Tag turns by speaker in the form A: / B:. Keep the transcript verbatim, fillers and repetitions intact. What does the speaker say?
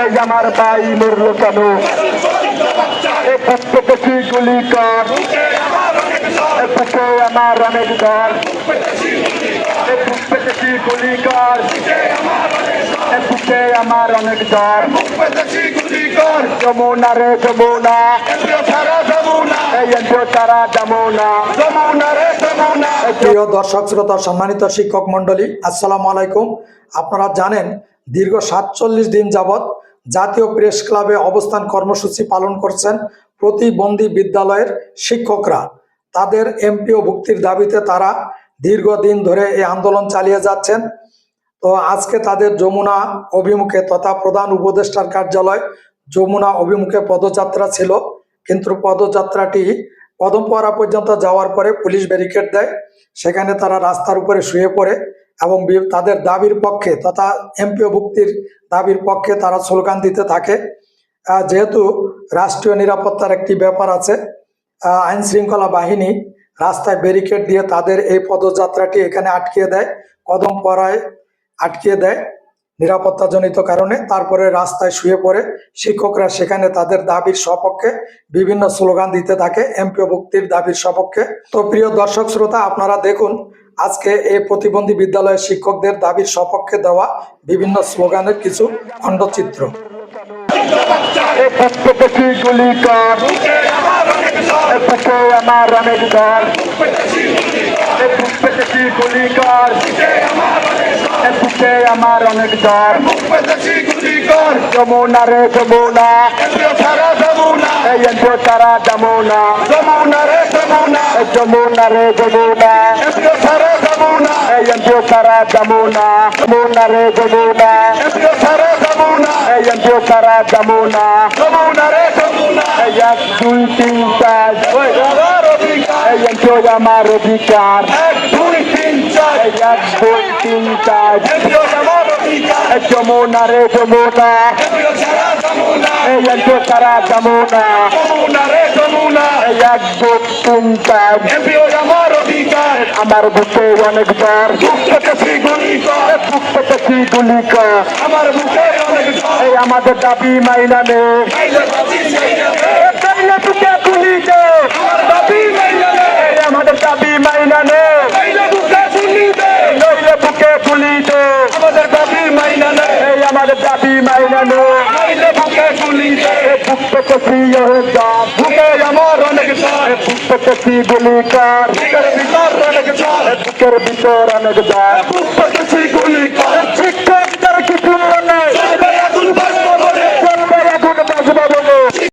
A: আমার ভাই মরলো কেন প্রত্যেকটি গুলি কর বুকে আমার অনেক দর প্রত্যেকটি গুলি কর বুকে আমার অনেক দর যমুনা রে যমুনা তারা যমুনা যমুনা রে যমুনা।
B: প্রিয় দর্শক শ্রোতা সম্মানিত শিক্ষক মন্ডলী, আসসালামু আলাইকুম। আপনারা জানেন দীর্ঘ সাতচল্লিশ দিন যাবৎ জাতীয় প্রেস ক্লাবে অবস্থান কর্মসূচি পালন করছেন প্রতিবন্ধী বিদ্যালয়ের শিক্ষকরা। তাদের এমপিও ভুক্তির দাবিতে তারা দীর্ঘদিন ধরে এই আন্দোলন চালিয়ে যাচ্ছেন। তো আজকে তাদের যমুনা অভিমুখে তথা প্রধান উপদেষ্টার কার্যালয় যমুনা অভিমুখে পদযাত্রা ছিল, কিন্তু পদযাত্রাটি পদমপাড়া পর্যন্ত যাওয়ার পরে পুলিশ ব্যারিকেড দেয়। সেখানে তারা রাস্তার উপরে শুয়ে পড়ে এবং তাদের দাবির পক্ষে তথা এমপিও ভুক্তির দাবির পক্ষে তারা স্লোগান দিতে থাকে। যেহেতু রাষ্ট্রীয় নিরাপত্তার একটি ব্যাপার আছে, আইন শৃঙ্খলা বাহিনী রাস্তায় ব্যারিকেড দিয়ে তাদের এই পদযাত্রাটি এখানে আটকিয়ে দেয়, কদমপাড়ায় আটকিয়ে দেয় নিরাপত্তাজনিত কারণে। তারপরে রাস্তায় শুয়ে পড়ে শিক্ষকরা সেখানে তাদের দাবির সপক্ষে বিভিন্ন স্লোগান দিতে থাকে, এমপিও ভুক্তির দাবির সপক্ষে। তো প্রিয় দর্শক শ্রোতা, আপনারা দেখুন আজকে এই প্রতিবন্ধী বিদ্যালয়ের শিক্ষকদের দাবির সপক্ষে দেওয়া বিভিন্ন স্লোগানের কিছু খণ্ডচিত্র।
A: প্রত্যেকটি গুলি কর বুকে আমার অনেক দর প্রত্যেকটি গুলি কর বুকে আমার অনেক দর যমুনা রে যমুনা তারা যমুনা যমুনা রে যমুনা যমুনা রে যমুনা তারা যমুনা তারা যমুনা যমুনা রে যমুনা তারা যমুনা তারা যমুনা যমুনা রে যমুনা এক দুই তিন চার আমার অধিকার এক দুই তিন চার এক দুই তিন চার যমুনা রে যমুনা তারা যমুনা যমুনা রে যমুনা এক দুই তিন চার আমার অধিকার আমার বুকে অনেক দর প্রত্যেকটি গুলি কর প্রত্যেকটি গুলি কর আমার বুকে অনেক দর এই আমাদের দাবি মাইনা নে বুকে গুলি দে দাবি মাইনা নে আমাদের দাবি মাইনা নে বুকে গুলি দে নইলে বুকে গুলি দে আমাদের দাবি মাইনা নে আমাদের দাবি মাইনা নে নইলে বুকে গুলি দে প্রত্যেকটি বুকে আমার অনেক দর প্রত্যেকটি গুলি কর বুকের ভিতর অনেক দর বুকের ভিতর অনেক দর প্রত্যেকটি গুলি কর শিক্ষকদের কিছু না